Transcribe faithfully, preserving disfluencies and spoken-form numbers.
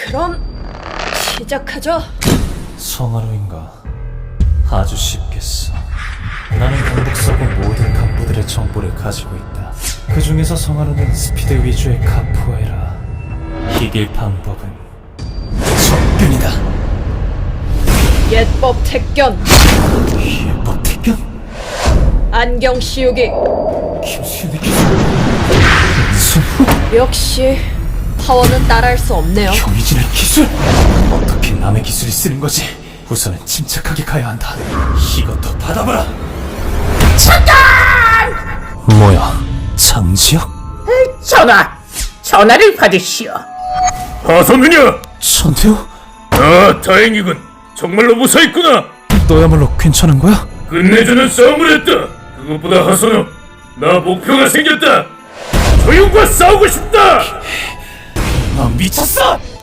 그럼 시작하죠. 성하루인가? 아주 쉽겠어. 나는 강북서구 모든 간부들의 정보를 가지고 있다. 그 중에서 성하루는 스피드 위주의 카포에라. 이길 방법은 접근이다. 예법 택견, 예법 택견? 안경 씌우기. 김수현의 기술. 손 역시 파워는 따라할 수 없네요. 경이진의 기술? 어떻게 남의 기술을 쓰는 거지? 우선은 침착하게 가야 한다. 이것도 받아봐라. 잠깐! 뭐야? 장지혁? 전화! 전화를 받으시오. 하선느냐? 전태호? 아, 다행이군. 정말로 무사했구나. 너야말로 괜찮은 거야? 끝내주는 싸움을 했다. 그것보다 하선우, 나 목표가 생겼다. 조용과 싸우고 싶다. 너 미쳤어?